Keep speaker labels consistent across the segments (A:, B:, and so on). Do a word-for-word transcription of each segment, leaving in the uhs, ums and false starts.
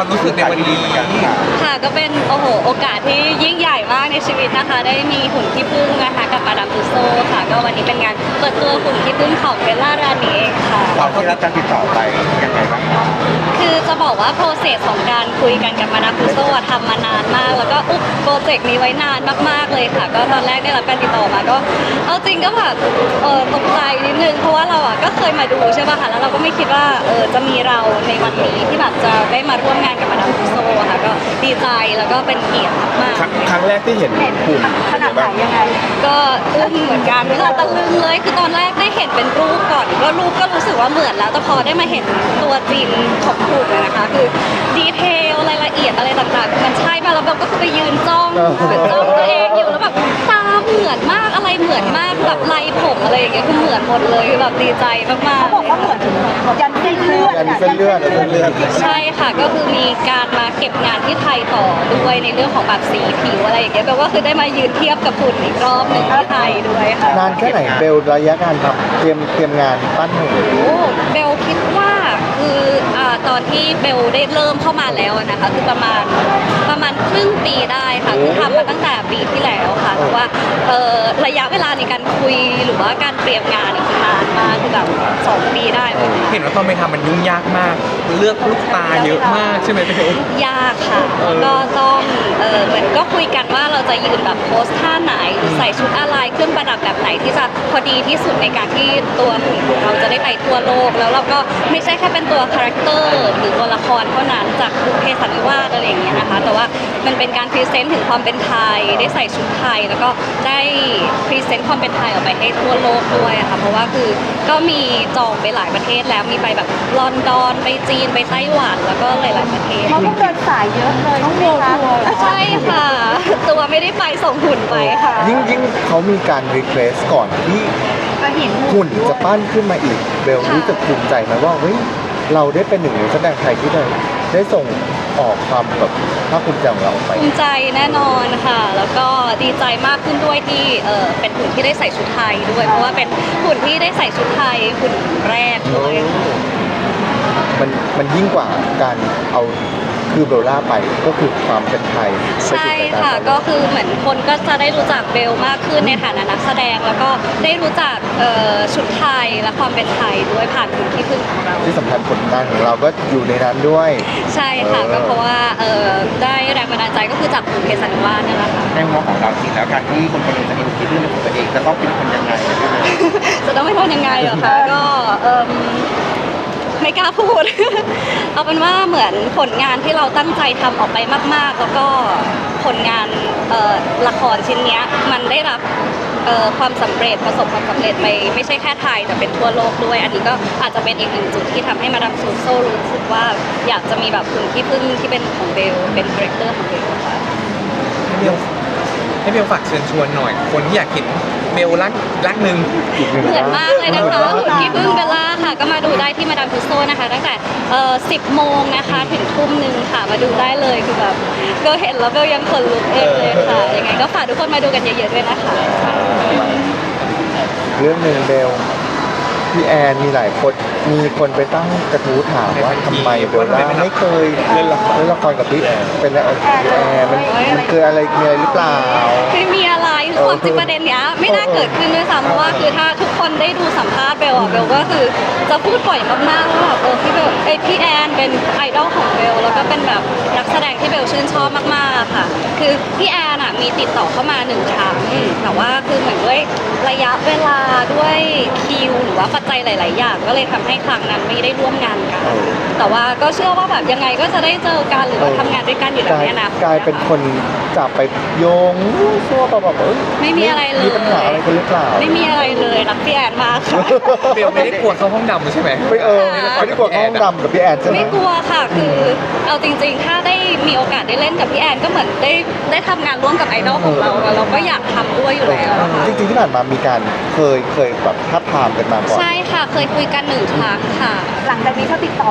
A: ความรู้สึกในวันนี้
B: ค่ะก็เป็นโอ้โหโอกาสที่ยิ่งใหญ่มากในชีวิตนะคะได้มีหุ่นขี้ผึ้งนะคะกับมาดามตุสโซค่ะก็วันนี้เป็นงานเปิดตัวหุ่นขี้ผึ้งของเบลล่ารานีเองค่ะ
C: ตอนที่รับการติดต่อไปยังไงบ้างครับ
B: คือจะบอกว่าโปรเซสของการคุยกันกับมาดามตุสโซอะทำมานานมาก แล้วก็อุ๊บโปรเจกต์นี้ไว้นานมากๆเลยค่ะ ก็ตอนแรกได้รับการติดต่อมาก็เอาจริงก็แบบเออตกใจนิดนึงเพราะว่าเราอ่ะก็เคยมาดูใช่ป่ะคะแล้วเราก็ไม่คิดว่าเออจะมีเราในวันนี้ที่แบบจะได้มาร่วมงานกับมาดามตุสโซอะค่ะก็ดีใจแล้วก็เป็นเกียรติมากๆ
C: ครั้งแรกที่เห็นหุ่น
D: ขนาดไหนยังไง
B: ก็อึ้งเหมือนกันค่ะตะลึงเลยคือตอนแรกได้เห็นเป็นรูปก่อนก็รูปก็รู้สึกว่าเหมือนแล้วแต่พอได้มาเห็นตัวจริงของหุ่นเลยนะคะคือดีเทลรายละเอียดอะไรต่างๆมันใช่มาแล้วเราก็คือไปยืนจ้องเหมือนจ้องตัวเองอยู่แล้วแบบตาเหมือนมากอะไรเหมือนมากแบบลายผมอะไรอย่างเงี้ยคือเหมือนหมดเลยคือแบบดีใจมากๆ
D: เขาบอกว่าเหมือนยันเส้นเลือด
C: ยันเส้นเลือดเส้นเลือด
B: ใช่ค่ะก็คือมีการมาเก็บงานที่ไทยต่อด้วยในเรื่องของแบบสีผิวอะไรอย่างเงี้ยแปลว่าคือได้มายืนเทียบกับหุ่นอีกรอบหนึ่งที่ไทยด้วยค่ะ
C: นานแค่ไหนเบลระยะการทำเตรียมเตรียมงานปั้นหุ่น
B: โอ้เบลคิดว่าคืออ่าตอนที่เบลได้เริ่มเข้ามาแล้วอะนะคะคือประมาณประมาณครึ่งปีได้ค่ะคือทำมาตั้งแต่ปีที่แล้วค่ะแต่ว่าเอ่อระยะเวลาในการคุยหรือว่าการเตรียมงานนี่คือนานมากคือแบบสองปีได้เลยค่ะ
A: เห็นว่าตอนไปทำมันยุ่งยากมาก เลือกลูกตาเยอะมากใช่ไหมพี่เอ๋
B: ยากค่ะแล้วก็ต้องเออเหมือนก็คุยกันว่าเราจะยืนแบบโพสท่าไหนหรือใส่ชุดอะไรเครื่องประดับแบบไหนที่จะพอดีที่สุดในการที่ตัวหุ่นของเราจะได้ไปทั่วโลกแล้วเราก็ไม่ใช่แค่เป็นตัวคาแรคเตอร์หรือตัวละครเท่านั้นจากบุพเพสันนิวาสอะไรอย่างเงี้ยนะคะแต่ว่ามันเป็นการพรีเซนต์ถึงความเป็นไทยได้ใส่ชุดไทยแล้วก็ได้พรีเซนต์ความเป็นไทยออกไปให้ทั่วโลกด้วยอะค่ะเพราะว่าคือก็มีจองไปหลายประเทศแล้วมีไปแบบลอนดอนไปจีนไปไต้หวันแล้วก็หลายๆประเทศ
D: เขาต้องเดินสายเยอะเลยใช่ไหมคะ
B: ใช่ค่ะ ตัวไม่ได้ไปส่งหุ่นไปค่ะ
C: ยิ่งยิ่งเขามีการรีเควสก่อนที่
D: ก็เห็น
C: หุ่นจะปั้นขึ้นมาอีกเบลรู้สึกภูมิใจไหมว่าเฮ้ยเราได้เป็นหนึ่งในแสดงไทยที่ได้ได้ส่งออกความแบบภาคภูมิใจของเราออกไป
B: ภูมิใจแน่นอนค่ะ แล้วก็ดีใจมากขึ้นด้วยที่เออเป็นหุ่นที่ได้ใส่ชุดไทยด้วย เพราะว่าเป็นหุ่นที่ได้ใส่ชุดไทยหุ่นแรกด้วยค่ะ
C: มันมันยิ่งกว่าการเอาคือเบลล่าไปก็คือความเป็นไทยไปสู่
B: ใช่
C: สายตา
B: ค่ะ ก็คือเหมือนคนก็จะได้รู้จักเบลมากขึ้นในฐานะนักแสดง แล้วก็ได้รู้จักเอ่อชุดไทยและความเป็นไทยด้วยผ่านหุ่นที่พึ่งของเรา
C: ที่สำคัญผลงานของเราก็อยู่ในนั้นด้วย
B: ใช่ค่ะ
C: เออ
B: ก็เพราะว่าเออได้แรงบันดาลใจก็คือจากบุพเพสันนิวาสนั่นแหละค่ะ
C: ในมุมของเราจริงแล้วการที่คนคนหนึงจะมีคิดเรื่องของตัวเองจะต้องเป็นคนยังไง
B: จะต้องไม่ทำยังไงเหรอคะก็เอิ่มไม่กล้าพูด เอาเป็นว่าเหมือนผลงานที่เราตั้งใจทำออกไปมากๆ แล้วก็ผลงานเอ่อละครชิ้นเนี้ยมันได้รับเอ่อความสำเร็จประสบความสำเร็จไปไม่ใช่แค่ไทยแต่เป็นทั่วโลกด้วย อันนี้ก็อาจจะเป็นอีกหนึ่งจุดที่ทำให้มาดามซูโซรู้สึกว่าอยากจะมีแบบหุ่นที่พึ่งที่เป็นของเบลเป็นคาแรคเตอร์ของเบลค่ะ
A: ให้เบลให้เบลฝากเชิญชวนหน่อย คนที่อยากเห็นเบลรักรักหนึ่ง
B: เหมือนมากเลยนะคะหุ่นที่พึ่งเบลล่าค่ะ ก็มาดูได้ที่มาดามทุสโซนะคะตั้งแต่เอ่อสิบโมงนะคะถึงทุ่มหนึ่งค่ะมาดูได้เลยคือแบบเบลเห็นแล้วเบลยังขนลุกเองเลยค่ะยังไงก็ฝากทุกคนมาดูกันเยอะๆด้วยนะคะ
C: เรื่องหนึ่งเบลพี่แอนมีหลายคนมีคนไปตั้งกระทู้ถามว่าทำไมเบลล่าไม่เคยเล่นละครเล่นละครกับพี่แอนเป็นแล้วพี่แอนมันมันคืออะไรมีอะไรหรือเปล่า
B: ไม่มีอะไรคือความจริงประเด็นเนี้ยไม่น่าเกิดขึ้นด้วยซ้ำเพราะว่าคือถ้าทุกคนได้ดูสัมภาษณ์เบลอะเบลก็คือจะพูดบ่อยมากๆว่าแบบเออพี่เบลเอยพี่แอนเป็นไอดอลของเบลแล้วก็เป็นแบบนักแสดงที่เบลชื่นชอบมากๆค่ะ คือพี่แอนอะมีติดต่อเข้ามาหนึ่งครั้งแต่ว่าคือเหมือนด้วยระยะเวลาด้วยคิวหรือว่าปัจจัยหลาย ๆ อย่างก็เลยทำให้ครั้งนั้นไม่ได้ร่วมงานกัน แต่ว่าก็เชื่อว่าแบบยังไงก็จะได้เจอกันหรือว่าทำงานด้วยกันอยู่แล้วเนี่ยนะ
C: กลายเป็นคนจับไปโยงซัวแบบเอ้ย
B: ไม่มีอะไรเลย
C: มีปัญหาอะไรกันหรือเปล่า
B: ไม่มีอะไรเลยรักพี่แอนมากค่ะ
A: เบลไม่ได้กลัวเข้าห้องดำใช่ไหม
C: ไม่เออไม่ได้กลัวเข้าห้องดำกับพี่แอนใช่ไหม
B: ไม่กลัวค่ะ คือเอาจริงๆ ถ้าได้มีโอกาสได้เล่นกับพี่แอนก็เหมือนได้ได้ทำงานร่วมกับไอดอลของเราอะเราก็อยากทำด้วยอยู่แล้วอะค่ะ
C: จริงๆที่ผ่านมามีการเคยเคยแบบทับทามกันมาก่อน
B: ใช่ค่ะ เคยคุยกันหนึ่งครั้งค่ะ
D: หลังจากนี้เขาติดต่อมา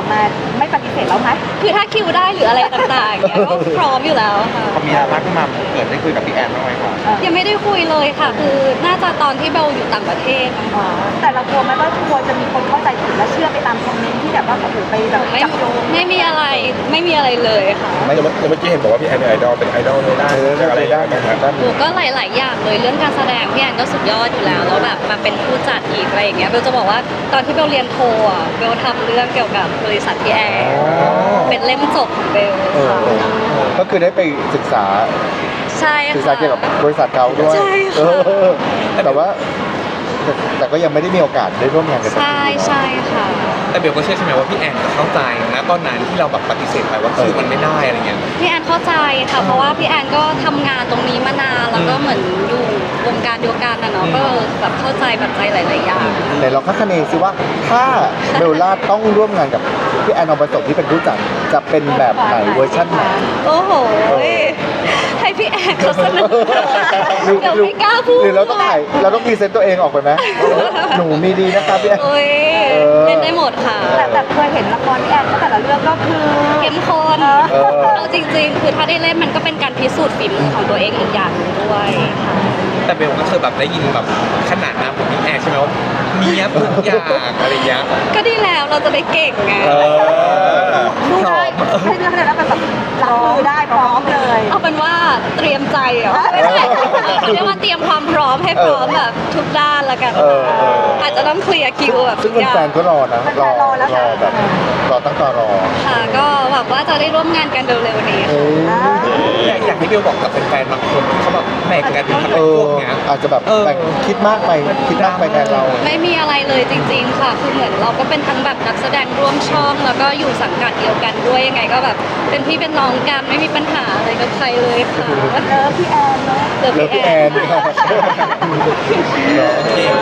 D: ไม่ปฏิเสธแล้วไหม
B: คือถ้าคิวได้หรืออะไรต่างๆเนี่ยก็พร้อมอยู่แล้วค่ะ
C: พอมีรักขึ้นมาเกิดได้คุยกับพี่แอนบ้างไหมครับ
B: ยังไม่ได้คุยเลยค่ะ คือน่าจะตอนที่เบลอยู่ต่างประเทศนะคะ
D: แต่เรากลัวไหมว่ากลัวจะมีคนเข้าใจผิดและเชื่อไปตามคอมเมนต์ที่แบบว่าโอ้โหไปแบบ
B: ไม่
D: จับโยง
B: ไม่มีอะไรไม่มีอะไรเลยค่ะ
C: ไม่
E: เมื่อเมื่อกี้เห็นบอกว่าพี่แอนเป็นไอดอลเป็นไอดอลในด้าน
C: เออ
E: อะไร
C: ในด้าน
E: บ้างครับ
C: ด้าน
B: หนูก็หลาย ๆ อย่างเลยเรื่องการแสดงพี่แอนก็สุดยอดอยู่แล้วแล้วแบบมาเป็นผู้จัดอีกอะไรอย่างเงี้ยเบลจะบอกว่าตอนที่เบลเรียนโทอ่ะเบลทำเรื่องเกี่ยวกับบริษัทพี่แอนเป็นเล่มจบของเบล
C: เออ
B: ค่ะ
C: ก็คือได้ไปศึกษา
B: ใช่
C: ศึกษา
B: ค่ะ
C: เกี่ยวกับบริษัทเขาด้วย
B: ใช่ค่ะ
C: เออแต่ว่าแต่แต่ก็ยังไม่ได้มีโอกาสได้ร่วมงานกันสัก
B: ใช่
C: ที
B: ใช่ค่ะ
A: แต่เบลก็เชื่อใช่ไหมว่าพี่แอนจะเข้าใจนะตอนนั้นที่เราแบบปฏิเสธไปว่าคือมันไม่ได้อะไรเงี้ย
B: พี่แอนเข้าใจค่ะ เพราะว่าพี่แอนก็ทำงานตรงนี้มานานแล้วก็เหมือนอยู่วงการเดียวกันนะเนาะ
A: อืม
B: ก็แบบเข้าใจปัจจัยหลาย ๆ อย่าง
C: ไหนลองคาดคะเนซิว่าถ้าเบลล่าต้องร่วมงานกับพี่แอนอองประสบที่เป็นผู้จัดจะเป็นแบบไหนเวอร์ชันไหน
B: โอ้โหให้พี่แอนเขาเสนอ
C: หรือ
B: เดี๋ยว
C: หรือ
B: ไม่กล้าพูด
C: หรือเราต้องถ่ายเราต้องพรีเซนต์ตัวเองออกไปไหมหนูมีดีนะครับพี่แอน
B: โอ้ย
C: เออ
B: เล่นได้หมดค่ะ
D: แต่แต่เคยเห็นละครพี่แอนก็แต่ละเรื่องก็คือ
B: เข้มข้น
C: เออ
B: เอาจริง ๆ คือถ้าได้เล่นมันก็เป็นการพิสูจน์ฝีมือของตัวเองอีกอย่างหนึ่งด้วยค่ะ
A: แต่เบลก็เคยแบบได้ยินแบบขนาดน้ำของพี่แอนใช่ไหมว่าเนี้ยบทุกอย่างอะไรเงี้ย
B: ก็ดีแล้วเราจะได้เก่งไง
C: เออ
D: ดูได้ให้เรื่องอะไรแล้วเป็นแบบรับมือได้พร้อมเลย
B: เอาเป็นว่าเตรียมใจเหรอไม่ใช่เรียกว่าเตรียมความพร้อมให้พร้อมแบบทุกด้านละกัน
C: เออเออ
B: อาจจะต้องเคลียร์คิวแบบ
C: ซึ่
B: ทุ
C: ง
B: กอย่าง
C: แฟนๆก็รอนะรอรอแบบรอตั้งตารอ
B: ค่ะ ก็หวังว่าจะได้ร่วมงานกันเร็วๆนี้
C: เออ
A: อยากอยากให้เบลบอกกับแฟนๆบางคนที่เขาแบบแบ่งกันเป็นพัก
C: เอ
A: เป็นพ
C: อ
A: วกเนี้ย
C: อาจจะแบบ
A: เออ
C: แบ่งคิดมากไปคิดมากไปแทนเรา
B: ไม่มีอะไรเลยจริง ๆ ค่ะ คือเหมือนเราก็เป็นทั้งแบบนักแสดงร่วมช่อง แล้วก็อยู่สังกัดเดียวกันด้วยยังไงก็แบบเป็นพี่เป็นน้องกันไม่มีปัญหาอะไรกับใครเลยค่ะ
D: เลิฟพี่แอนเนาะ
B: เลิฟ
C: เลิฟ
B: พี่
C: พี่
B: แอ
C: แอน
B: น
C: เนาะ
A: โอเค